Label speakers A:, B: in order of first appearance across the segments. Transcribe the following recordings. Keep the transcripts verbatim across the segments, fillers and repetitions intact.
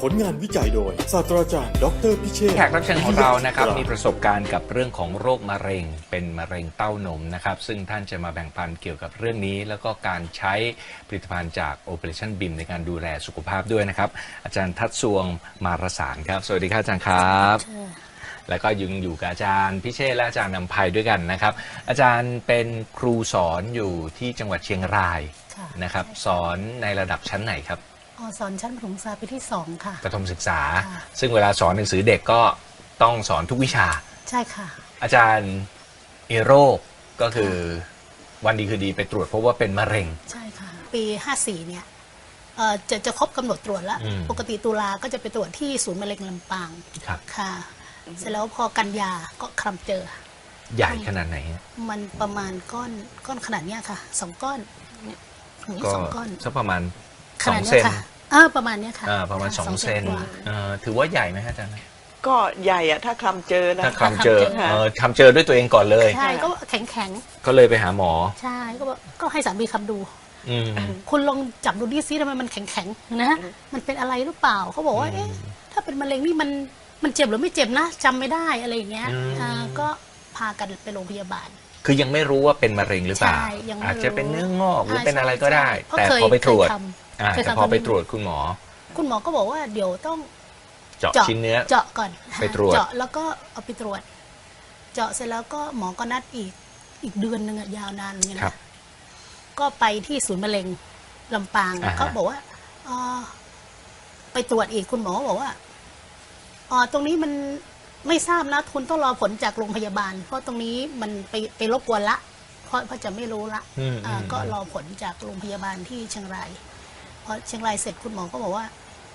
A: ผลงานวิจัยโดยศาสตราจารย์ดรพิเชษฐ์
B: แขกรับเชิญของเรานะครับมีประสบการณ์กับเรื่องของโรคมะเร็งเป็นมะเร็งเต้านมนะครับซึ่งท่านจะมาแบ่งปันเกี่ยวกับเรื่องนี้แล้วก็การใช้ผลิตภัณฑ์จาก Operation บี เอ็ม ในการดูแลสุขภาพด้วยนะครับอาจารย์ทัศน์สวงมารสารครับสวัสดีครับอาจารย์ครับแล้วก็ยังอยู่กับอาจารย์พิเชษฐ์และอาจารย์นำภัยด้วยกันนะครับอาจารย์เป็นครูสอนอยู่ที่จังหวัดเชียงรายนะครับสอนในระดับชั้นไหนครับ
C: อ๋อสอนชั้นประถมศึกษาปีที่สองค่ะ
B: ประถมศึกษาซึ่งเวลาสอนหนังสือเด็กก็ต้องสอนทุกวิชา
C: ใช่ค่ะ
B: อาจารย์เอโรคก็คือวันดีคือดีไปตรวจพบว่าเป็นมะเร็ง
C: ใช่ค่ะปีห้าสี่เนี่ยจะจะครบกำหนดตรวจแล้วปกติตุลาก็จะไปตรวจที่ศูนย์มะเร็งลำปางค่ะเสร็จแล้วพอกันยาก็คลำเจอ
B: ใหญ่ขนาดไหน
C: มันประมาณก้อนก้อนขนาดเนี้ยค่ะสองก้อน
B: ก็สองก้อนสักประมาณ
C: สองเซนเออประมาณนี้ค่ะ
B: ประมาณสองเซนถือว่าใหญ่ไหมอาจารย์
D: ก็ใหญ่อะถ้าคลำเจอนะ
B: ถ้าคลำเจอคลำเจอด้วยตัวเองก่อนเลย
C: ใช่ก็แข็งแข็ง
B: ก็เลยไปหาหมอ
C: ใช่ก็ก็ให้สามีคำดูคุณลองจับดูดิซิทำไมมันแข็งแข็งนะมันเป็นอะไรหรือเปล่าเขาบอกว่าเอ๊ะถ้าเป็นมะเร็งนี่มันมันเจ็บหรือไม่เจ็บนะจำไม่ได้อะไรอย่างเงี้ยก็พากันไปโรงพยาบาล
B: คือยังไม่รู้ว่าเป็นมะเร็งหรือเปล่าอาจจะเป็นเนื้องอกหรือเป็นอะไรก็ได้แต่พอไปตรวจแต่พอไปตรวจคุณหมอ
C: คุณหมอก็บอกว่าเดี๋ยวต้อง
B: เจาะชิ้นเนื้อ
C: เจาะก่อน
B: ไปตรวจ
C: เจาะแล้วก็เอาไปตรวจเจาะเสร็จแล้วก็หมอก็นัดอีกอีกเดือนหนึ่งยาวนานเหมือนกันนะก็ไปที่ศูนย์มะเร็งลำปางเขาบอกว่าไปตรวจอีกคุณหมอบอกว่าอ๋อตรงนี้มันไม่ทราบนะคุณต้องรอผลจากโรงพยาบาลเพราะตรงนี้มันไปไปรบกวนละเพราะเพราะจะไม่รู้ละก็รอผลจากโรงพยาบาลที่เชียงรายพอเชียงรายเสร็จคุณหมอก็บอกว่า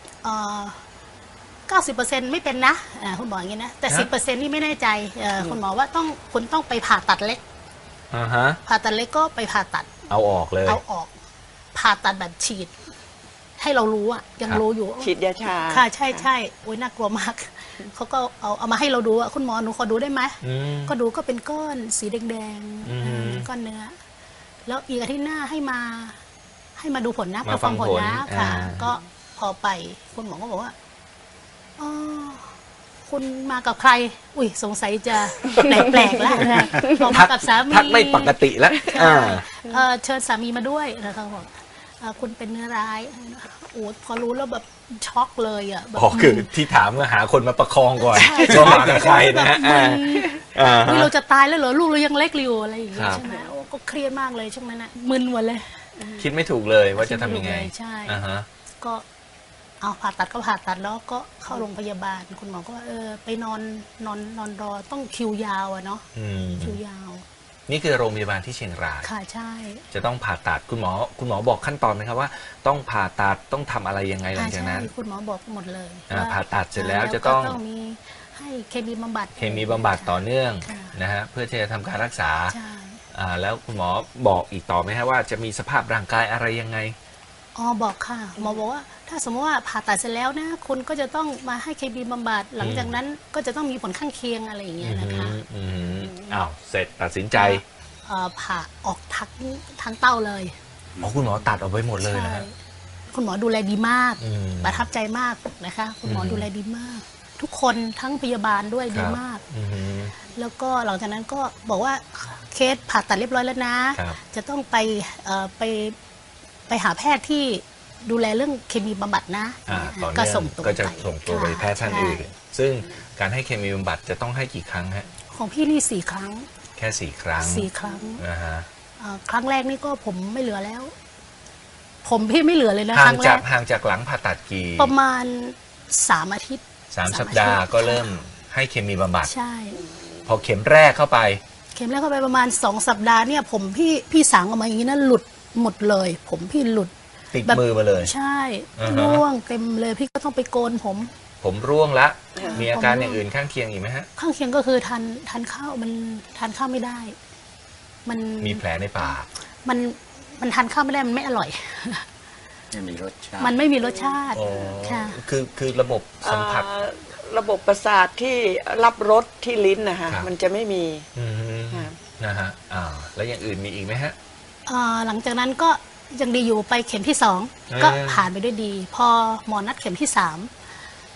C: เก้าสิบเปอร์เซ็นต์ไม่เป็นนะคุณหมออย่างนี้นะแต่สิบเปอร์เซ็นต์นี่ไม่แน่ใจคุณหมอว่าต้องคุณต้องไปผ่าตัดเล็กผ่าตัดเล็กก็ไปผ่าตัด
B: เอาออกเลย
C: เอาออกผ่าตัดแบบฉีดให้เรารู้อ่ะยังรู้อยู่
D: ฉีดยาชา
C: ค่ะใช่ใช่โอ้ยน่ากลัวมากเขาก็เอาเอามาให้เราดูอ่ะคุณหมอหนูขอดูได้ไหมก็ดูก็เป็นก้อนสีแดงๆก้อนเนื้อแล้วอีกอาทิตย์หน้าให้มาให้มาดูผลนะมาฟังผลนะค่ะก็พอไปคุณหมอก็บอกว่าอ๋อคุณมากับใครอุ้ยสงสัยจะแปลกๆแล้วนะบอกมากับสามี
B: ทักไม่ปกติแล้ว
C: เชิญสามีมาด้วยนะคะบอกคุณเป็นเนื้อร้ายโอ้พอรู้แล้วแบบช็อกเลยอ่ะ
B: อ๋อคือที่ถามก็หาคนมาประคองก่อนว่ามากับใครนะฮะ
C: นี่เราจะตายแล้วเหรอลูกเรายังเล็กอยู่อะไรอย่างเงี้ยใช่ไหมก็เครียดมากเลยช่วงนั้นนะมึนหมดเลย
B: คิดไม่ถูกเลยว่าจะทำยังไง
C: ใช่ก็เอาผ่าตัดก็ผ่าตัดแล้วก็เข้าโรงพยาบาลคุณหมอก็ว่าเออไปนอนนอนนอนรอต้องคิวยาวอะเนาะคิวยาว
B: นี่คือโรงพยาบาลที่เชียงราย
C: ค่ะใช่
B: จะต้องผ่าตัดคุณหมอคุณหมอบอกขั้นตอนไหมครับว่าต้องผ่าตัดต้องทำอะไรยังไงหลังจากนั้น
C: คุณหมอบอกหมดเลย
B: ผ่าตัดเสร็จแล้วจะต้อง
C: มีให้เคมีบำบัด
B: เคมีบำบัดต่อเนื่องนะฮะเพื่อที่จะทำการรักษาแล้วคุณหมอบอกอีกต่อไหมฮะว่าจะมีสภาพร่างกายอะไรยังไง
C: อ๋อบอกค่ะหมอบอกว่าถ้าสมมติว่าผ่าตัดเสร็จแล้วนะคุณก็จะต้องมาให้เคมีบำบัดหลังจากนั้นก็จะต้องมีผลข้างเคียงอะไรอย่างเงี้ยนะคะ
B: อ้าวเสร็จตัดสินใจ
C: ผ่าออกทั้งทั้งเต้าเลย
B: หมอคุณหมอตัดออกไปหมดเลยนะ
C: คุณหมอดูแลดีมากประทับใจมากนะคะคุณหมอดูแลดีมากทุกคนทั้งพยาบาลด้วยดีมากแล้วก็หลังจากนั้นก็บอกว่าเคสผ่าตัดเรียบร้อยแล้วนะจะต้องไปไปไปหาแพทย์ที่ดูแลเรื่องเคมีบำบัดนะ
B: ก็ส่งตัวก็จะส่งตัวไปแพทย์ท่านอื่นซึ่งการให้เคมีบำบัดจะต้องให้กี่ครั้งฮะ
C: ของพี่นี่สี่ครั้ง
B: แค่สี่ครั้ง
C: สี่ครั้งนะฮะครั้งแรกนี่ก็ผมไม่เหลือแล้วผมพี่ไม่เหลือเลยนะ
B: ห่างจากห่างจากหลังผ่าตัดกี่
C: ประมาณสามอาทิตย์
B: สามสัปดาห์ก็เริ่มให้เคมีบำบัด
C: ใช่
B: พอเข็มแรกเข้าไป
C: เข็มแรกเข้าไปประมาณสองสัปดาห์เนี่ยผมพี่พี่สางออกมาอย่างนี้นะหลุดหมดเลยผมพี่หลุด
B: ติดมือมาเลย
C: ใช่ร่วงเต็มเลยพี่ก็ต้องไปโกนผม
B: ผมร่วงละมีอาการอย่างอื่นข้างเคียงอีกไหมฮะ
C: ข้างเคียงก็คือทานทานข้าวมันทานข้าวไม่ได้มัน
B: มีแผลในปาก
C: มันมันทานข้าวไม่ได้มันไม่อร่อย
B: ไม่มีรสชาติ
C: มันไม่มีรสชาติค่ะ
B: คือคือระบบสัมผัส
D: ระบบประสาทที่รับรสที่ลิ้นนะคะมันจะไม่มี
B: นะฮะอ่าแล้วอย่างอื่นมีอีกไหมฮะ
C: หลังจากนั้นก็ยังดีอยู่ไปเข็มที่สองก็ผ่านไปด้วยดีพอหมอนัดเข็มที่สาม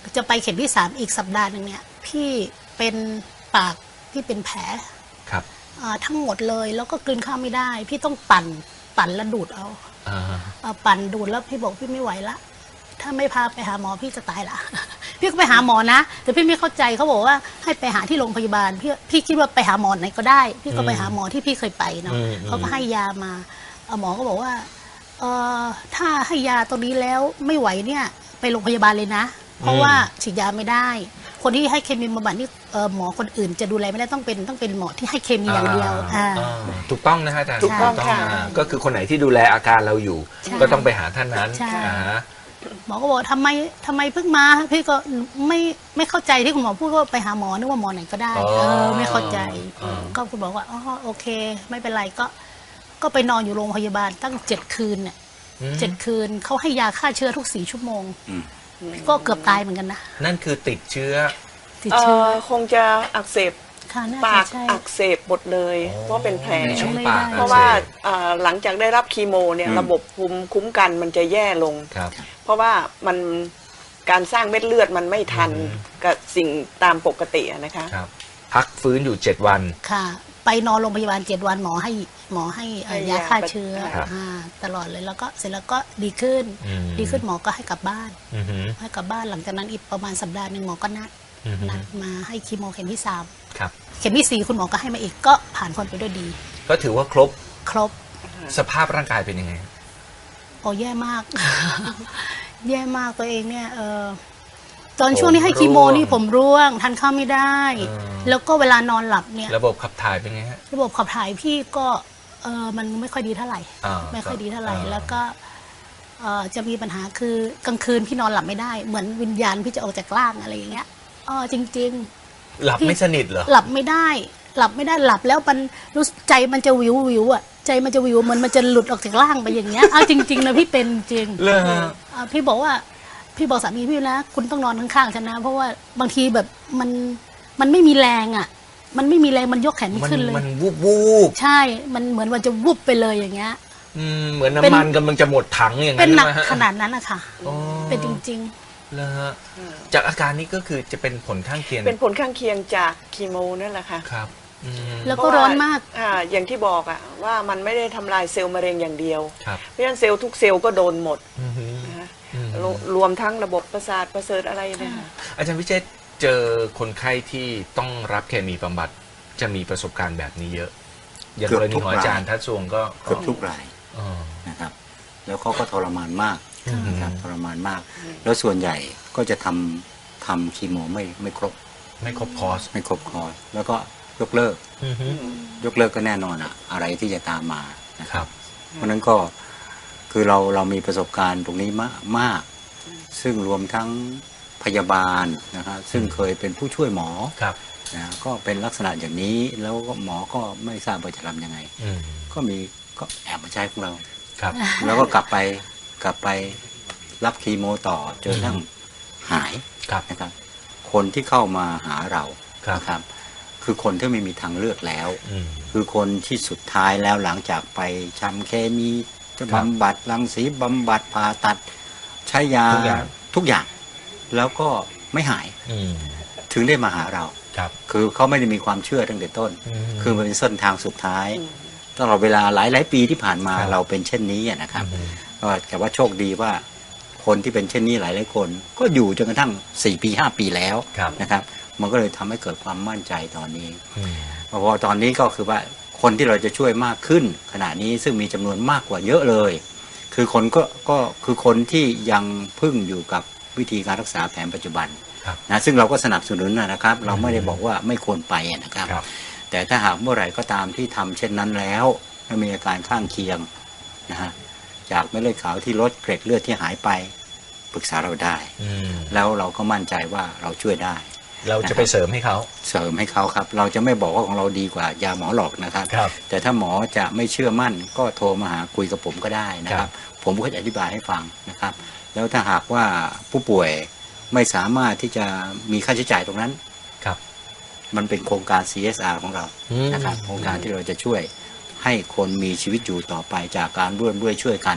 C: จะไปเข็มที่สามอีกสัปดาห์หนึ่งเนี่ยพี่เป็นปากพี่เป็นแผล
B: ครับ
C: อ่าทั้งหมดเลยแล้วก็กลืนข้าวไม่ได้ พี่ต้องปั่นปั่นแล้วดูดเอา
B: อ่า
C: อ่าปั่นดูดแล้วพี่บอกพี่ไม่ไหวละถ้าไม่พาไปหาหมอพี่จะตายละ พี่ก็ไปหาหมอนะแต่พี่ไม่เข้าใจเขาบอกว่าให้ไปหาที่โรงพยาบาลพี่พี่คิดว่าไปหาหมอไหนก็ได้ พี่ก็ไปหาหมอที่พี่เคยไปเนาะเขาก็ให้ยามาเอ่อหมอก็บอกว่าเออถ้าให้ยาตัวนี้แล้วไม่ไหวเนี่ยไปโรงพยาบาลเลยนะ เพราะว่าฉีดยาไม่ได้ คนที่ให้เคมีบำบัดนี่เอ่อหมอคนอื่นจะดูแลไม่ได้ต้องเป็นต้องเป็นหมอที่ให้เคมีอย่างเดียวอ่า
B: อ่าถูกต้องนะฮะอาจารย์
D: ถูกต้องค่ะ
B: นะก็คือคนไหนที่ดูแลอาการเราอยู่
C: ใช่
B: ก็ต้องไปหาท่านนั้น
C: ใช่
B: อ่าฮะ
C: หมอก็บอกทำไมทำไมเพิ่งมาพี่ก็ไม่ไม่เข้าใจที่คุณหมอพูดว่าไปหาหมอนึกว่าหมอไหนก็ได้
B: อ๋อ
C: เออไม่เข้าใจ
B: อ๋อ
C: ก็คุณบอกว่าอ๋อโอเค ไม่เป็นไรก็ก็ไปนอนอยู่โรงพยาบาลตั้งเจ็ดคืนเนี่ย
B: อืม
C: เจ็ดคืนเขาให้ยาฆ่าเชื้อทุกสี่ชั่วโมง
E: อืม
C: ก็เกือบตายเหมือนกันนะ
B: นั่นคือติดเชื้อ
C: ติด
D: เอ่
C: เชื้อ
D: อคงจะอักเสบ
C: ค่ะน่า
D: ปา
C: จะ
D: ก
C: ใช่
D: อักเสบหมดเลย
B: อ๋อ
D: เพราะเป็นแผล
B: ในช่องปาก
C: ไม่ได้
D: เพราะว่า
B: อักสบ
D: อ่าหลังจากได้รับคีโมเนี่ย
E: อืม
D: ระบบภูมิคุ้มกันมันจะแย่ลง
B: ครับ
D: เพราะว่ามันการสร้างเม็ดเลือดมันไม่ทัน
B: อืม
D: กับสิ่งตามปกติอะนะคะ
B: ครับ พักฟื้นอยู่เจ็ดวัน
C: ค่ะ ไปนอนโรงพยาบาลเจ็ดวันหมอให้หมอให้เอ่อ
D: ให้
C: ยาย
D: า
C: ฆ่าเชื้อ
B: ครับ
C: อ่าตลอดเลยแล้วก็เสร็จแล้วก็ดีขึ้น
B: อืม
C: ดีขึ้นหมอก็ให้กลับบ้าน
B: อือหือ
C: ให้กลับบ้านหลังจากนั้นอีกประมาณสัปดาห์หนึ่งหมอก็นัด
B: อือหือ
C: นัดมาให้คีโมเข็มที่สาม
B: ครับ
C: เข็มที่สี่คุณหมอก็ให้มาอีกก็ผ่านพ้นไปด้วยดี
B: ก็ถือว่าครบ
C: ครบ
B: สภาพร่างกายเป็นยังไง
C: โอ้แย่มาก แย่มากตัวเองเนี่ยเออตอนช่วงที่ให้คีโมนี่ผมร่วงทานข้าวไม่ได้
B: เออ
C: แล้วก็เวลานอนหลับเนี่ย
B: ระบบขับถ่ายเป็นไงฮะ
C: ระบบขับถ่ายพี่ก็เออมันไม่ค่อยดีเท่าไหร่
B: อ่า
C: ไม่ค่อยดีเท่าไหร่
B: อ่า
C: แล้วก็เออจะมีปัญหาคือกลางคืนพี่นอนหลับไม่ได้ เหมือนวิญญาณพี่จะออกจากร่างอะไรอย่างเงี้ยเออจริง
B: หลับไม่สนิทเหรอ
C: ๆ หลับไม่ได้ หลับไม่ได้หลับแล้วมันรู้สึกใจมันจะวิววิวอ่ะใจมันจะวิวเหมันมันจะหลุดออกจากร่างไปอย่างเงี้ยเอาจริงๆนะพี่เป็นจริง
B: เลยฮะ
C: อ่าพี่บอกว่าพี่บอกสามีพี่นะคุณต้องนอนข้างๆฉันนะเพราะว่าบางทีแบบมันมันไม่มีแรงอ่ะ มันไม่มีแรงมันยกแขนไม่
B: มัน
C: ขึ้นเลย
B: มันวูบวูบ
C: ใช่ มันเหมือนมันจะวุบไปเลยอย่างเงี้ย
B: อืมเหมือน
C: เป็น
B: น้ำมันกำลังจะหมดถังอย่าง
C: เป็
B: นั้น น
C: หนัก
B: ใช่ไหมฮะ
C: ขนาดนั้นอะค่ะ
B: อ๋อ
C: เป็นจริง
B: เลยฮะจากอาการนี้ก็คือจะเป็นผลข้างเคียง
D: เป็นผลข้างเคียงจากคีโมนั่นแหละค่ะ
B: ครับอืม
C: ๆ แล้วก็ร้อนมาก
D: อ่าอย่างที่บอกอะว่ามันไม่ได้ทำลายเซลล์มะเร็งอย่างเดียว
B: ครับ
D: เพราะฉะนั้นเซลล์ทุกเซลล์ก็โดนหมด
B: อือหือ
D: นะคะ
B: อืม
D: รวรวมทั้งระบบประสาทประเสริฐอะไรเนี่ยค่ะ
B: อาจารย์วิเชษฐ์เจอคนไข้ที่ต้องรับเคมีบำบัดจะมีประสบการณ์แบบนี้เยอะ อย่าง
E: เกื
B: ก
E: อบ
B: รณี
E: ทุก
B: ของอาจารย์
E: ราย
B: ทัศวงก็
E: เกือบทุกราย
B: อ๋อ
E: นะครับ แล้วเขาก็ทรมานมาก
B: อืม
E: นะครับทรมานมาก แล้วส่วนใหญ่ก็จะทำทำคีโมไม่ไม่ครบ
B: ไม่ครบคอร์ส
E: ไม่ครบคอร์สแล้วก็ยกเลิก
B: อือหือย
E: กเลิกก็แน่นอนอะอะไรที่จะตามมานะค
B: ครั
E: รับ
B: บ
E: เพราะฉะนั้นก็คือเราเรามีประสบการณ์ตรงนี้มากมาก ซึ่งรวมทั้งพยาบาลนะครับซึ่งเคยเป็นผู้ช่วยหมอ
B: ครับ
E: นะก็เป็นลักษณะอย่างนี้แล้วก็หมอก็ไม่ทราบว่าจะทำยังไง
B: อืม
E: ก็มีก็แอบมาใช้ของเรา
B: ครับ
E: แล้วก็กลับไปกลับไปรับคีโมต่อจนกระทั่งหาย
B: ครับ
E: นะครับ คนที่เข้ามาหาเรา
B: ครับ
E: นะครับ คือคนที่ไม่มีทางเลือกแล้ว
B: อืม
E: คือคนที่สุดท้ายแล้วหลังจากไปชำเคมีจะ
B: ครับ
E: บำบัดรังสีบำบัดผ่าตัด ใช้ยา
B: ทุกอย่าง
E: ทุกอย่าง แล้วก็ไม่หาย
B: อืม
E: ถึงได้มาหาเรา
B: ครับ
E: คือเขาไม่ได้มีความเชื่อตั้งแต่ต้น
B: อืม
E: คือมันเป็นเส้นทางสุดท้ายตลอดเวลาหลายหลายๆปีที่ผ่านมา
B: ครับ
E: เราเป็นเช่นนี้อะนะครับ
B: อืม
E: ก็แต่ว่าโชคดีว่าคนที่เป็นเช่นนี้หลายหลายๆคน ก็อยู่จนกระทั่งสี่ปีห้าปีแล้ว
B: ครับ
E: นะครับ มันก็เลยทำให้เกิดความมั่นใจตอนนี้
B: อืม
E: เพราะว่าตอนนี้ก็คือว่าคนที่เราจะช่วยมากขึ้นขณะนี้ซึ่งมีจำนวนมากกว่าเยอะเลย คือคนก็ก็คือคนที่ยังพึ่งอยู่กับวิธีการรักษาแผนปัจจุบัน
B: ครับ
E: นะซึ่งเราก็สนับสนุนนะครับ เราไม่ได้บอกว่าไม่ควรไปนะครับ
B: ครับ
E: แต่ถ้าหากเมื่อไหร่ก็ตามที่ทำเช่นนั้นแล้วและมีอาการข้างเคียงนะฮะจากเม็ดเลือดขาวที่ลดเกร็ดเลือดที่หายไปปรึกษาเราได้
B: อืม
E: แล้วเราก็มั่นใจว่าเราช่วยได้
B: เราจะไปเสริมให้เขา
E: เสริมให้เขาครับ เราจะไม่บอกว่าของเราดีกว่ายาหมอหรอกนะครับ
B: ครับ
E: แต่ถ้าหมอจะไม่เชื่อมั่นก็โทรมาหาคุยกับผมก็ได้นะค
B: ครั
E: รับ
B: บ
E: ผมก็จะอธิบายให้ฟังนะครับ แล้วถ้าหากว่าผู้ป่วยไม่สามารถที่จะมีค่าใช้จ่ายตรงนั้น
B: ครับ
E: มันเป็นโครงการ ซี เอส อาร์ ของเรา
B: อืม
E: นะครับโครงการที่เราจะช่วยให้คนมีชีวิตอยู่ต่อไปจากการร่วมด้วยช่วยกัน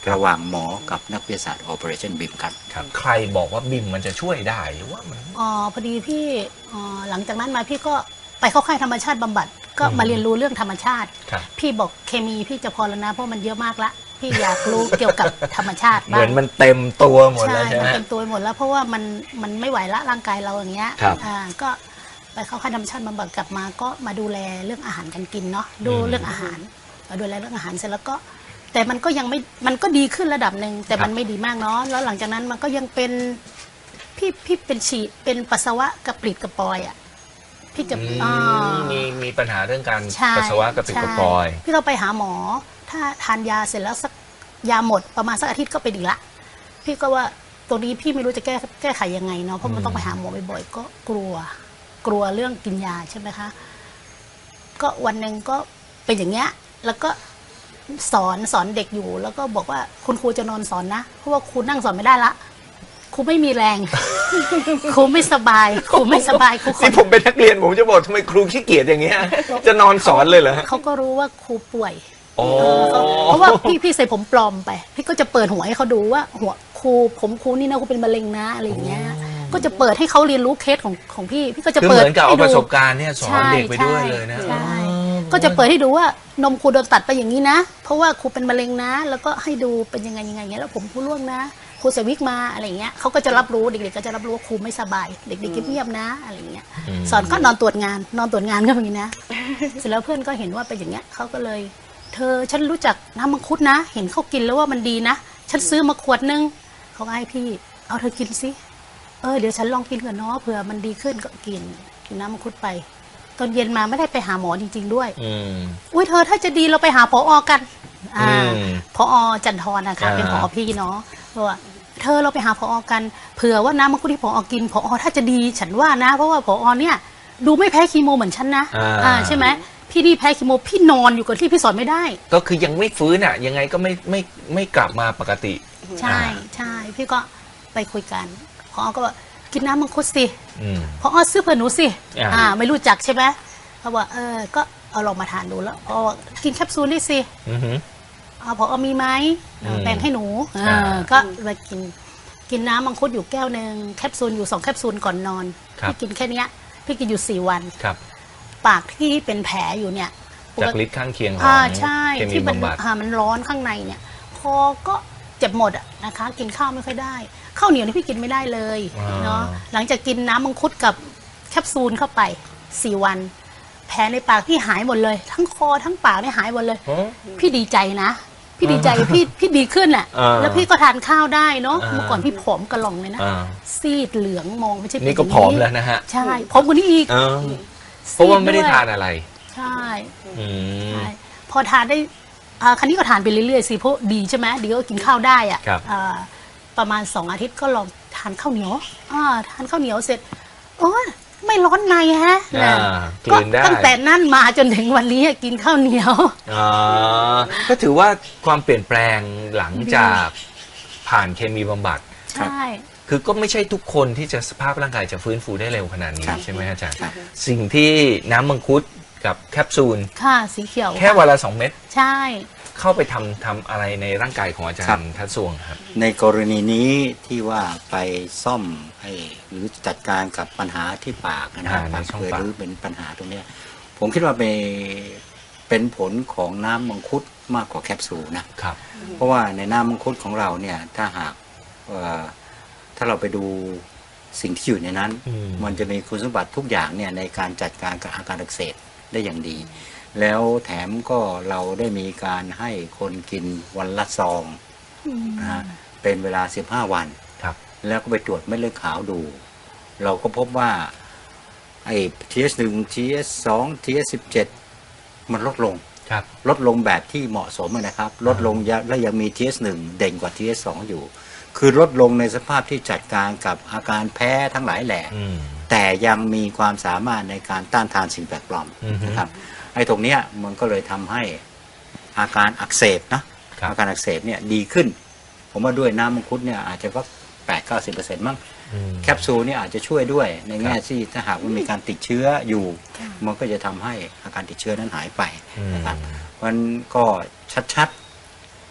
E: ระหว่างหมอกับนักวิทยาศาสตร์ Operation บี ไอ เอ็ม ครับ
B: ครับ ใครบอกว่าบิมมันจะช่วยได้หรือว่ามัน
C: อ๋อพอดีพี่อ๋อหลังจากนั้นมาพี่ก็ไปเข้าค่ายธรรมชาติบำบัดก็
B: อืม
C: มาเรียนรู้เรื่องธรรมชาติ
B: ครับ
C: พี่บอกเคมีพี่จะพอแล้วนะเพราะมันเยอะมากละพี่อยากรู้เกี่ยวกับธรรมชาติ
B: เห
C: บ้า
B: มื
C: ง
B: อนมันเต็มตัวหมด
C: ใช่
B: แล้วใช่ไห
C: มั
B: ม
C: นเป็นตัวหมดแล้วเพราะว่ามันมันไม่ไหวละร่างกายเราอย่างเงี้ย
B: ครับ
C: อ่าก็ไปเข้าค่ายธรรมชาติบำบัดกลับมาก็มาดูแลเรื่องอาหารการกินเนาะดู
B: อืม
C: เรื่องอาหารมาดูแลเรื่องอาหารเสร็จแล้วก็ แต่มันก็ยังไม่มันก็ดีขึ้นระดับหนึ่งแต่มันไม่ดีมากเนาะแล้วหลังจากนั้นมันก็ยังเป็นพี่พี่เป็นฉีดเป็นปัสสาวะกระปริดกระปอยอ่ะพี่จะ
B: อืม
C: อ่า
B: มีมีปัญหาเรื่องการ
C: ใช่
B: ปัสสาวะกระปิดกระปอย
C: ใช่พี่เราไปหาหมอ ถ้าทานยาเสร็จแล้วสักยาหมดประมาณสักอาทิตย์ก็เป็นอีกละพี่ก็ว่าตรงนี้พี่ไม่รู้จะแก้แก้ไขยังไงเนาะเพราะมันต้องไปหาหมอบ่อยๆก็กลัว กลัวเรื่องกินยาใช่ไหมคะก็วันหนึ่งก็เป็นอย่างเงี้ยแล้วก็สอนสอนเด็กอยู่ แล้วก็บอกว่าคุณครูจะนอนสอนนะเพราะว่าครูนั่งสอนไม่ได้ละครูไม่มีแรง ครูไม่สบายครูไม่สบายครูขอ
B: นี่ผมเป็นนักเรียนผมจะบอกทำไมครูขี้เกียจอย่างเงี้ย จะนอนสอนเลยเหรอฮะ
C: เขาก็รู้ว่าครูป่วย
B: โอ้
C: เพราะว่าพี่พี่ใส่ผมปลอมไป พี่ก็จะเปิดหัวให้เขาดูว่า หัวครูผมครูนี่นะครูเป็นมะเร็งนะอะไรอย่างเงี้ย ก็จะเปิดให้เขาเรียนรู้เคสของของพี่ พี่ก็จะ
B: คือ
C: เปิ
B: เห
C: ด
B: มือนกับเอา
C: ให้
B: ป
C: ดู
B: ระสบการณ์เนี่ยสอนเด็กไปด้วยเลยนะ
C: ใช่
B: อ๋อ
C: ก็จะเปิดให้ดูว่านมครูโดนตัดไปอย่างนี้นะ เพราะว่าครูเป็นมะเร็งนะ แล้วก็ให้ดูเป็นยังไงยังไงเงี้ยแล้วผมครูร่วงนะครูใส่วิกมาอะไรเงี้ยเขาก็จะรับรู้เด็กๆก็จะรับรู้ว่าครูไม่สบาย เด็กๆเงียบๆนะอะไรเงี้ย
B: อืม
C: สอนก็นอนตรวจงาน นอนตรวจงานก็อย่างนี้นะ เสร็จแล้วเพื่อนก็เห็นว่าเป็นอย่างเงี้ยเขาก็เลย เธอฉันรู้จักน้ำมังคุดนะ เห็นเขากินแล้วว่ามันดีนะ ฉันซื้อมาขวดนึงเขาก็ให้พี่ เอาเธอกินสิเออเดี๋ยวฉันลองกินก่อนเนาะเผื่อมันดีขึ้นก็กินกินน้ำมังคุดไป ตอนเย็นมาไม่ได้ไปหาหมอจริง ๆ ด้วย
B: อืม
C: อุ้ยเธอถ้าจะดีเราไปหาผอกัน อ่า
B: อืม
C: ผอจันทร์นะคะ
B: อ่า
C: เป็นผอพี่เนาะบอกว่าเธอเราไปหาผอกันเผื่อว่าน้ำมังคุดที่ผอกินผอถ้าจะดีฉันว่านะ เพราะว่าผอเนี่ยดูไม่แพ้คีโมเหมือนฉันนะ
B: อ่า
C: อ่าใช่ไหมพี่นี่แพ้คีโมพี่นอนอยู่กับที่พี่สอนไม่ได้
B: ก็คือยังไม่ฟื้นอ่ะ ยังไงก็ไม่ไม่ไม่กลับมาปกติ
C: ใช่ใช่พี่ก็ไปคุยกันพอก็บอกกินน้ำมังคุดสิ
B: อืม
C: พอซื้อเผื่อหนูสิ
B: อ่า
C: อ่าไม่รู้จักใช่ไหมเขาบอกเออก็เอาลองมาทานดูแล้วพอกินแคปซูลนี่สิ
B: อือหือ
C: เอาพอมีไหม
B: อืม
C: แบ่งให้หนู
B: อ่า
C: เออก็มากินกินน้ำมังคุดอยู่แก้วหนึ่งแคปซูลอยู่สองแคปซูลก่อนนอนพี่กินแค่เนี้ยพี่กินอยู่สี่วัน
B: ครับ
C: ปากที่เป็นแผลอยู่เนี่ย
B: จากฤทธิ์ข้างเคียงของ
C: อ่าใช่
B: เคมี
C: ที่มัน
B: บำบัด
C: อ่ามันร้อนข้างในเนี่ย พอก็เจ็บหมดอะนะคะ กินข้าวไม่ค่อยได้ข้าวเหนียวนี่พี่กินไม่ได้เลยเนาะหลังจากกินน้ำมังคุดกับแคปซูลเข้าไปสี่วัน แผลในปากพี่หายหมดเลย ทั้งคอทั้งปากเนี่ยหายหมดเลย
B: ฮะ
C: พี่ดีใจนะ พี่ดีใจพี่พี่ดีขึ้นแหละ
B: อ่า
C: แล้วพี่ก็ทานข้าวได้เนาะ
B: อ่า
C: เมื่อก่อนพี่ผอมกระหล่องเลยนะ
B: อ่า
C: ซีดเหลืองมองไม่ใช่เป็
B: นี่ก็
C: ย่าง
B: ผอมแล้วนะฮะ
C: ใช่ผอมกว่านี้อีก
B: เออเพราะว่าไม่ได้
C: ซี
B: ทานอะไร
C: ใช่
B: อืม
C: ใช่พอทานได้อ่าครั้นี้ก็ทานไปเรื่อยๆสิเพราะดีใช่ไหมดีก็กินข้าวได้อะ
B: ครับ
C: อ่าประมาณสองอาทิตย์ก็ลองทานข้าวเหนียวอ่าทานข้าวเหนียวเสร็จโอ้ยไม่ร้อนในฮะ
B: อ่า
C: นะ
B: กลืนได้
C: ตั้งแต่นั่นมาจนถึงวันนี้กินข้าวเหนียว
B: อ่าก็ถือว่าความเปลี่ยนแปลงหลังจากผ่านเคมีบำบัด
C: ใช่
B: คือก็ไม่ใช่ทุกคนที่จะสภาพร่างกายจะฟื้นฟูได้เร็วขนาดนี้
E: ครับ
B: ใช่ไหมอาจารย์
E: ครับ
B: สิ่งที่น้ำมังคุดกับแคปซูล
C: ค่ะสีเขียว
B: แค่วันละสองเม็ด
C: ใช่
B: เข้าไปทำทำอะไรในร่างกายของอาจาร
E: ครับ
B: ย์ทัศสวงครับ
E: ในกรณีนี้ที่ว่าไปซ่อมให้หรือจัดการกับปัญหาที่ปากนะฮะ
B: อ่าใน
E: ปาก
B: ช่อง
E: เปิด
B: ปาก
E: หรือเป็นปัญหาตรงเนี้ยผมคิดว่าเป็นเป็นผลของน้ำมังคุดมากกว่าแคปซูลนะ
B: ครับ
E: เพราะว่าในน้ำมังคุดของเราเนี่ยถ้าหากเอ่อถ้าเราไปดูสิ่งที่อยู่ในนั้น
B: อืม
E: มันจะมีคุณสมบัติทุกอย่างเนี่ยในการจัดการกับอาการอักเสบได้อย่างดี แล้วแถมก็เราได้มีการให้คนกินวันละซองนะฮะเป็นเวลาสิบห้าวัน
B: ครับ
E: แล้วก็ไปตรวจเม็ดเลือดขาวดู เราก็พบว่าไอ้ ที เอช หนึ่ง ที เอช สอง ที เอช สิบเจ็ด มันลดลง
B: ครับ
E: ลดลงแบบที่เหมาะสมนะครับ ลดลงและยังมี ที เอช หนึ่ง เด่นกว่า ที เอช สอง อยู่ คือลดลงในสภาพที่จัดการกับอาการแพ้ทั้งหลายแหล่
B: อืม
E: แต่ยังมีความสามารถในการต้านทานสิ่งแปลกปลอม
B: อือฮึ
E: นะครับไอ้ตรงเนี้ยมันก็เลยทำให้อาการอักเสบนะครับ อาการอักเสบเนี่ยดีขึ้น ผมว่าด้วยน้ำมังคุดเนี่ยอาจจะก็แปดเก้าสิบเปอร์เซ็นต์มั้ง
B: อืม
E: แคปซูลเนี่ยอาจจะช่วยด้วยในแง่
B: ครับ
E: ที่ถ้าหากมันมีการติดเชื้ออยู่ มันก็จะทำให้อาการติดเชื้อนั้นหายไปนะครับมันก็ชัดๆ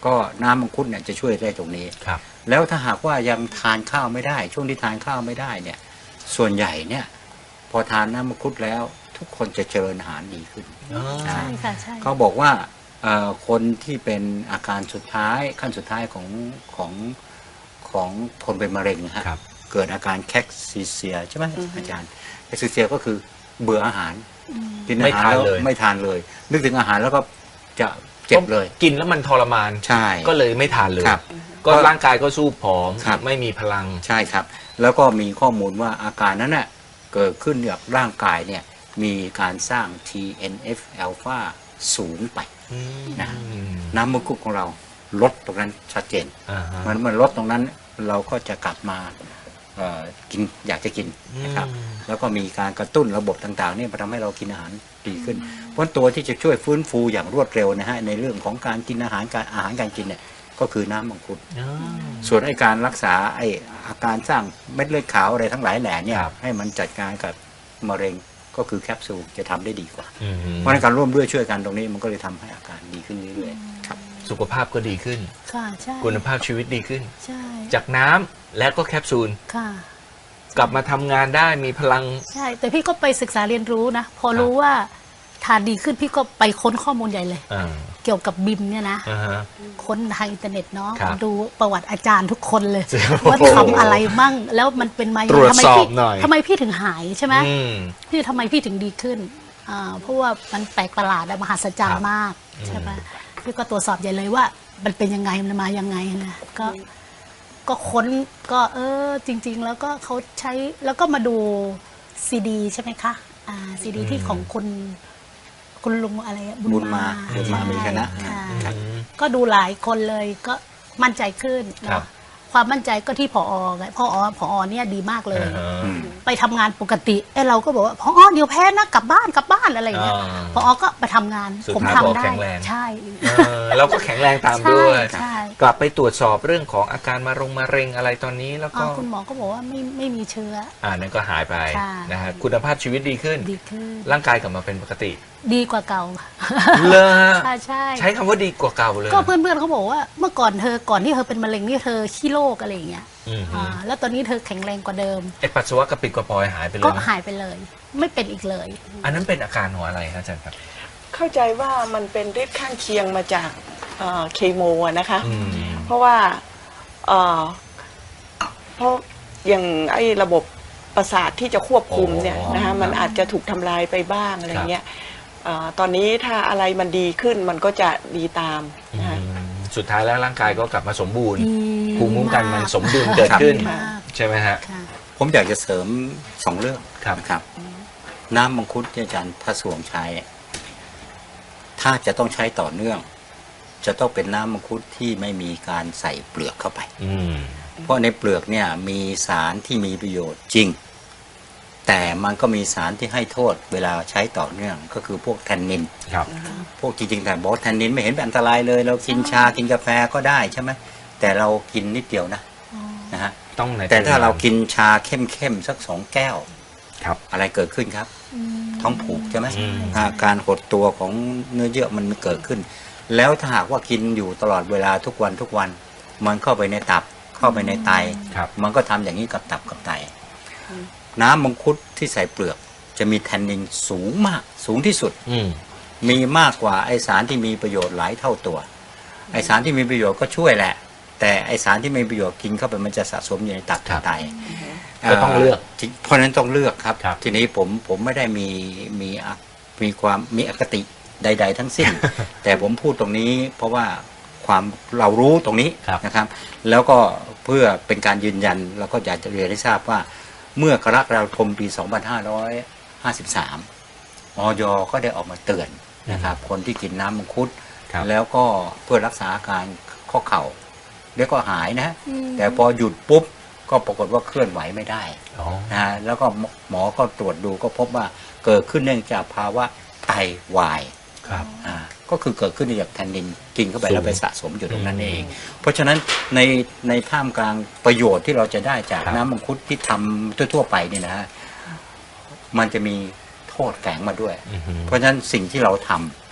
E: ก็น้ำมังคุดเนี่ยจะช่วยได้ตรงนี้
B: ครับ
E: แล้วถ้าหากว่ายังทานข้าวไม่ได้ ช่วงที่ทานข้าวไม่ได้เนี่ยส่วนใหญ่เนี่ยพอทานน้ำมังคุดแล้วทุกคนจะเจริญอาหารดีขึ้น
B: อ๋อ
C: ใช่ค่ะใช่
E: เขาบอกว่าเอ่อคนที่เป็นอาการสุดท้ายขั้นสุดท้ายของของของคนเป็นมะเร็งนะฮะ
B: ครับ
E: เกิดอาการแคคซิเซียใช่ไหมอาจารย์แคคซิเซียก็คือเบื่ออาหารกินอาหารแล้วไม่ทานเลย นึกถึงอาหารแล้วก็จะเจ็บเลย
B: กินแล้วมันทรมาน
E: ใช่
B: ก็เลยไม่ทานเลย
E: ครับ
B: ก็ร่างกายก็สู้ผอม
E: ครับ
B: ไม่มีพลัง
E: ใช่ครับ แล้วก็มีข้อมูลว่าอาการนั้นน่ะเกิดขึ้นจากร่างกายเนี่ยมีการสร้าง ที เอ็น เอฟ อัลฟา สูงไป นะ น้ำมังคุดของเราลดตรงนั้นชัดเจน
B: อ่าฮะ
E: มันมันลดตรงนั้นเราก็จะกลับมาเอ่อกินอยากจะกินนะครับ
B: อืม
E: แล้วก็มีการกระตุ้นระบบต่างๆเนี่ยมาทำให้เรากินอาหารดีขึ้น เพราะตัวที่จะช่วยฟื้นฟูอย่างรวดเร็วนะฮะในเรื่องของการกินอาหารการอาหารการกินเนี่ยก็คือน้ำมังคุด
B: อ๋อ
E: ส่วนไอ้การรักษาไอ้อาการสร้างเม็ดเลือดขาวอะไรทั้งหลายแหล่เนี่ย
B: ครับ
E: ให้มันจัดการกับมะเร็งก็คือแคปซูลจะทำได้ดีกว่า
B: อืม
E: เพราะในการร่วมด้วยช่วยกันตรงนี้มันก็เลยทำให้อาการดีขึ้นเรื่อยๆครับ
B: สุขภาพก็ดีขึ้น
C: ค่ะใช่
B: คุณภาพชีวิตดีขึ้น
C: ใช่
B: จากน้ำและก็แคปซูล
C: ค่ะ
B: กลับมาทำงานได้มีพลัง
C: ใช่ แต่พี่ก็ไปศึกษาเรียนรู้นะ พอรู้ว่าทานดีขึ้นพี่ก็ไปค้นข้อมูลใหญ่เลย
B: อ่า
C: เกี่ยวกับบิมเนี่ยนะ
B: อ่าฮะ
C: ค้นทางอินเทอร์เน็ตเนาะ
B: ครับ
C: ดูประวัติอาจารย์ทุกคนเลย
B: โอ้โห
C: ว่าทำอะไรมั่ง แล้วมันเป็นมายัง
B: ตรวจ
C: ไงทำไม
B: สอบ
C: พี่
B: หน่อย
C: ทำไมพี่ถึงหายใช่ไหม
B: อืม
C: พี่ทำไมพี่ถึงดีขึ้นอ่าเพราะว่ามันแปลกประหลาดและมหัศจรร
B: ครั
C: ย์
B: บ
C: มากใช่ไหมพี่ก็ตรวจสอบใหญ่เลยว่า มันเป็นยังไงมันมายังไงนะก็ก็ค้นก็เออจริง ๆ แล้วก็เขาใช้แล้วก็มาดูซีดีใช่ไหมคะอ่าซีดีที่ของคุณคุณลุงอะไรอะ
E: บุญมาบุญมา
C: ใช่
E: มีคณะ
C: ค่ะ
E: ครับ
C: ก็ดูหลายคนเลยก็มั่นใจขึ้น
B: ครับ
C: เนาะความมั่นใจก็ที่ผอไงพอผอเนี่ยดีมากเลย
B: อ่าฮะ
E: อืม
C: ไปทำงานปกติไอ้เราก็บอกว่าพอเดี๋ยวแพ้นะกลับบ้านกลับบ้านอะไรอย่างเงี้ย
B: อ่า
C: พอก็ไปทำงาน
B: สุด
C: ผม
B: ท้าย
C: ทำ
B: ผอ
C: ได้
B: แข็งแรง
C: ใช่
B: เออเราก็แข็งแรงตาม
C: ใช่
B: ด้วย
C: ใช่
B: กลับไปตรวจสอบเรื่องของอาการมะรงมะเร็งอะไรตอนนี้แล้วก็
C: อ่าคุณหมอก็บอกว่าไม่ไม่มีเชื้อ
B: อ่านั่นก็หายไป
C: ค่ะ
B: นะฮะคุณภาพชีวิตดีขึ้น
C: ดีขึ้น
B: ร่างกายกลับมาเป็นปกติ
C: ดีกว่าเก่า
B: เลย
C: ใช่ใช่
B: ใช้คำว่าดีกว่าเก่าเลย
C: ก็เพื่อนๆเขาบอกว่าเมื่อก่อนเธอก่อนที่เธอเป็นมะเร็งนี่เธอขี้โรคอะไรอย่างเงี้ย
B: อืมฮึ
C: อ่าแล้วตอนนี้เธอแข็งแรงกว่าเดิม
B: ไอปัสสาวะกระปิดกระปอยหายไปเล
C: ก็
B: ยไหม
C: หายไปเลย ไม่เป็นอีกเลย
B: อันนั้นเป็นอาการของอะไรครับอาจารย์ครับ
D: เข้าใจว่ามันเป็นฤทธิ์ข้างเคียงมาจากเอ่อเคโมอะนะคะ
B: อืม
D: เพราะว่าเอ่อเพราะอย่างไอ้ระบบประสาทที่จะควบคุมเนี่ย
B: อ๋อ
D: นะคะมันอาจจะถูกทำลายไปบ้างอะไรเงี้ยเอ่อตอนนี้ถ้าอะไรมันดีขึ้นมันก็จะดีตามนะคะ
B: อืมสุดท้ายแล้วร่างกายก็กลับมาสมบูรณ์
C: ดี
B: ภูมิคุ้มกันมัน
C: มาก
B: สมดุลเกิดขึ้น
C: มาก
B: ใช่ไหมฮะ
C: ค่ะ
E: ผมอยากจะเสริมสองเรื่อง
B: ครับ
E: นะครับ น้ำมังคุดที่อาจารย์พระสวงใช้ ถ้าจะต้องใช้ต่อเนื่อง จะต้องเป็นน้ำมังคุดที่ไม่มีการใส่เปลือกเข้าไป
B: อืม
E: เพราะในเปลือกเนี่ยมีสารที่มีประโยชน์จริง แต่มันก็มีสารที่ให้โทษเวลาใช้ต่อเนื่อง ก็คือพวกแทนนิน
B: ครับ
E: พวกจริงๆแต่บอกว่าแทนนินไม่เห็นเป็นอันตรายเลย เรากินชากินกาแฟก็ได้ใช่ไหมแต่เรากินนิดเดียวนะนะฮะ
B: ต้องใน
E: แต่ถ้าเรากินชาเข้มๆสักสองแก้ว
B: ครับ
E: อะไรเกิดขึ้นครับ ท้องผูกใช่ไหม
B: อืม
E: อาการหดตัวของเนื้อเยื่อมันเกิดขึ้น แล้วถ้าหากว่ากินอยู่ตลอดเวลาทุกวันทุกวัน มันเข้าไปในตับเข้าไปในไต
B: ครับ
E: มันก็ทำอย่างนี้กับตับกับไต น้ำมังคุดที่ใส่เปลือกจะมีแทนนินสูงมากสูงที่สุด
B: อืม
E: มีมากกว่าไอสารที่มีประโยชน์หลายเท่าตัว ไอสารที่มีประโยชน์ก็ช่วยแหละ แต่ไอสารที่ไม่มีประโยชน์กินเข้าไปมันจะสะสมอยู่ในตับ
B: ครับ
E: ไต
B: ก็ต้องเลือก
E: เพราะฉะนั้นต้องเลือกครับ
B: ครับ
E: ทีนี้ผมผมไม่ได้มีมีอ่ะมีความมีอคติใด ๆ ทั้ง สิ้น แต่ผมพูดตรงนี้เพราะว่าความเรารู้ตรงนี้
B: ครับ
E: นะครับ แล้วก็เพื่อเป็นการยืนยันเราก็อยากจะเรียนให้ทราบว่า เมื่อกรกฎาคมปี สองพันห้าร้อยห้าสิบสาม อย.ก็ได้ออกมาเตือนนะครับ คนที่กินน้ำมังคุด
B: ครับ
E: แล้วก็เพื่อรักษาอาการข้อเข่าเดี๋ยวก็หายนะ
C: อืม
E: แต่พอหยุดปุ๊บก็ปรากฏว่าเคลื่อนไหวไม่ได้
B: อ๋อ
E: นะฮะแล้วก็หมอก็ตรวจดูก็พบว่าเกิดขึ้นเนื่องจากภาวะไตวาย
B: ครับ
E: อ่าก็คือเกิดขึ้นจากแทนนินกินเข้าไป
B: สูง
E: แล้วไปสะสมอยู่ตรงนั้น
B: อืม
E: เอง เพราะฉะนั้นในในท่ามกลางประโยชน์ที่เราจะได้จาก
B: ครับ
E: น้ำมังคุดที่ทำทั่วๆไปเนี่ยนะฮะมันจะมีโทษแฝงมาด้วย
B: อือฮึ
E: เพราะฉะนั้นสิ่งที่เราท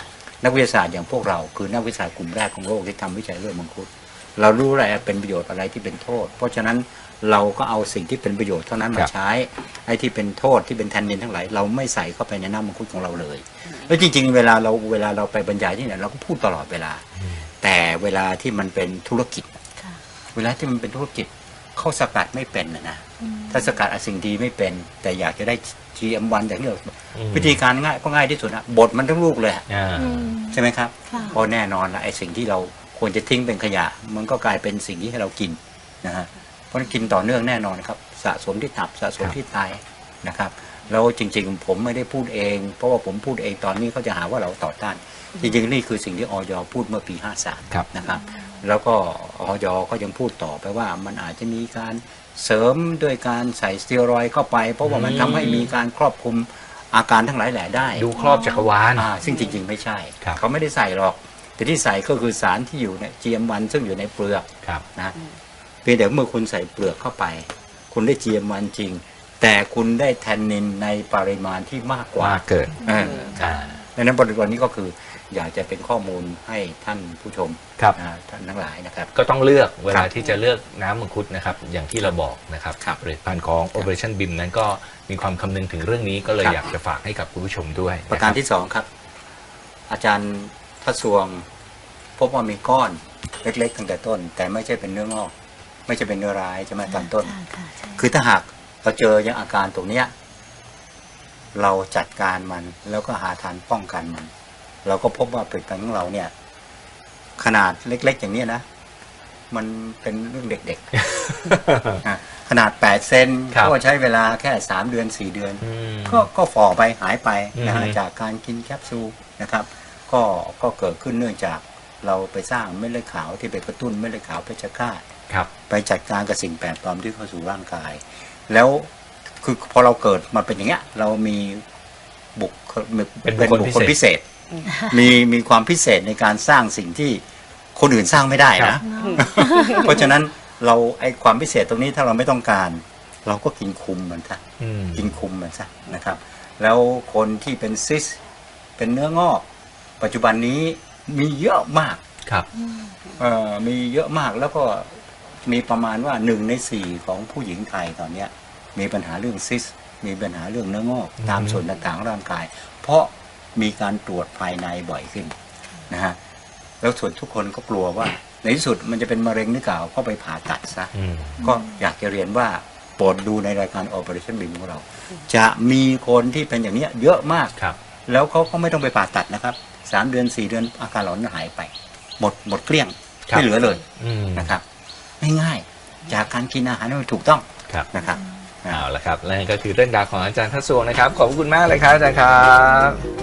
E: นักวิทยาศาสตร์อย่างพวกเราคือนักวิทยาศาสตร์กลุ่มแรกของโลกที่ทำวิจัยเรื่องมังคุดเรารู้อะไรเป็นประโยชน์อะไรที่เป็นโทษ เพราะฉะนั้นเราก็เอาสิ่งที่เป็นประโยชน์เท่านั้นมาใช้ไอ้ที่เป็นโทษที่เป็นแทนนินทั้งหลายเราไม่ใส่เข้าไปในน้ำมังคุดของเราเลยแล้วจริงๆเวลาเราเวลาเราไปบรรยายที่ไหนเราก็พูดตลอดเวลาแต่เวลาที่มันเป็นธุรกิจเวลาที่มันเป็นธุรกิจเขาสกัดไม่เป็นนะนะถ้าสกัดสิ่งดีไม่เป็นแต่อยากจะได้ จี เอ็ม วัน อย่างที่เราวิธีการง่ายก็ง่ายที่สุดนะบดมันทั้งลูกเลยใช่ไหมครับเพราะแน่นอนละไอ้สิ่งที่เราควรจะทิ้งเป็นขยะมันก็กลายเป็นสิ่งที่ให้เรากินนะฮะเพราะกินต่อเนื่องแน่นอนครับสะสมที่ตับสะสมที่ไตนะครับแล้วจริงๆผมไม่ได้พูดเองเพราะว่าผมพูดเองตอนนี้เขาจะหาว่าเราต่อต้านจริงๆนี่คือสิ่งที่อย.พูดเมื่อปีห้าสามนะครับแล้วก็อย.ก็ยังพูดต่อไปว่ามันอาจจะมีการเสริมด้วยการใส่สเตียรอยด์เข้าไปเพราะว่ามันทำให้มีการครอบคลุมอาการทั้งหลายแหล่ได้
B: ดูครอบจักรวาล
E: ซึ่งจริงๆไม่ใช่เขาไม่ได้ใส่หรอกแต่ที่ใส่ก็คือสารที่อยู่ใน จี เอ็ม วัน ซึ่งอยู่ในเปลือกนะเพียงแต่เมื่อคุณใส่เปลือกเข้าไปคุณได้ จี เอ็ม วัน จริงแต่คุณได้แทนนินในปริมาณที่มากกว่า
B: เกิน
E: ดังนั้นบริบทนี้ก็คืออยากจะเป็นข้อมูลให้ท่านผู้ชมท่านทั้งหลายนะครับ
B: ก็ต้องเลือกเวลาที่จะเลือกน้ำมังคุดนะครับอย่างที่เราบอกนะครับผลิตภัณฑ์ของ Operation บี ไอ เอ็ม นั้นก็มีความคำนึงถึงเรื่องนี้ก็เลยอยากจะฝากให้กับคุณผู้ชมด้วย
E: ประการที่สองครับอาจารย์ทศวงพบว่ามีก้อนเล็กๆตั้งแต่ต้นแต่ไม่ใช่เป็นเนื้องอกไม่ใช่เป็นเนื้อร้ายใช่ไหมตอนต้นคือถ้าหากเราเจออย่างอาการตรงเนี้ยเราจัดการมันแล้วก็หาทางป้องกันมันเราก็พบว่าผลิตภัณฑ์ของเราเนี่ยขนาดเล็กๆอย่างนี้นะมันเป็นเรื่องเด็กๆขนาดแปดเซนก็ใช้เวลาแค่สามเดือนสี่เดือนก็ก็ฝ่อไปหายไปนะฮะจากการกินแคปซูลนะครับก็ก็เกิดขึ้นเนื่องจากเราไปสร้างเม็ดเลือดขาวที่ไปกระตุ้นเม็ดเลือดขาวเพชฌฆาตไปจัดการกับสิ่งแปลกปลอมที่เข้าสู่ร่างกายแล้วคือพอเราเกิดมาเป็นอย่างเงี้ยเรามีบุคเป็นบุคคลพิเศษมีมีความพิเศษในการสร้างสิ่งที่คนอื่นสร้างไม่ได้นะเพราะฉะนั้นเราไอความพิเศษตรงนี้ถ้าเราไม่ต้องการเราก็กินคุมมันซะกินคุมมันซะนะครับแล้วคนที่เป็นซิสเป็นเนื้องอกปัจจุบันนี้มีเยอะมาก
B: ครับ
E: เอ่อมีเยอะมากแล้วก็มีประมาณว่าหนึ่งในสี่ของผู้หญิงไทยตอนเนี้ยมีปัญหาเรื่องซิสมีปัญหาเรื่องเนื้องอกตามส่วนต่างๆของร่างกายเพราะมีการตรวจภายในบ่อยขึ้นนะฮะแล้วส่วนทุกคนก็กลัวว่าในที่สุดมันจะเป็นมะเร็งหรือเปล่าก็ไปผ่าตัดซะก็อยากจะเรียนว่าโปรดดูในรายการ Operation บี ไอ เอ็ม ของเราจะมีคนที่เป็นอย่างนี้เยอะมากแล้วเขาก็ไม่ต้องไปผ่าตัดนะครับสามเดือนสี่เดือนอาการหลอนหายไปหมดหมดเกลี้ยงไม่เหลือเลยนะครับง่ายๆจากการกินอาหารที่ถูกต้องนะครับ
B: เอาละครับและนี่ก็คือเรื่องราวของอาจารย์ทศวงนะครับขอบคุณมากเลยครับอาจารย์ครับ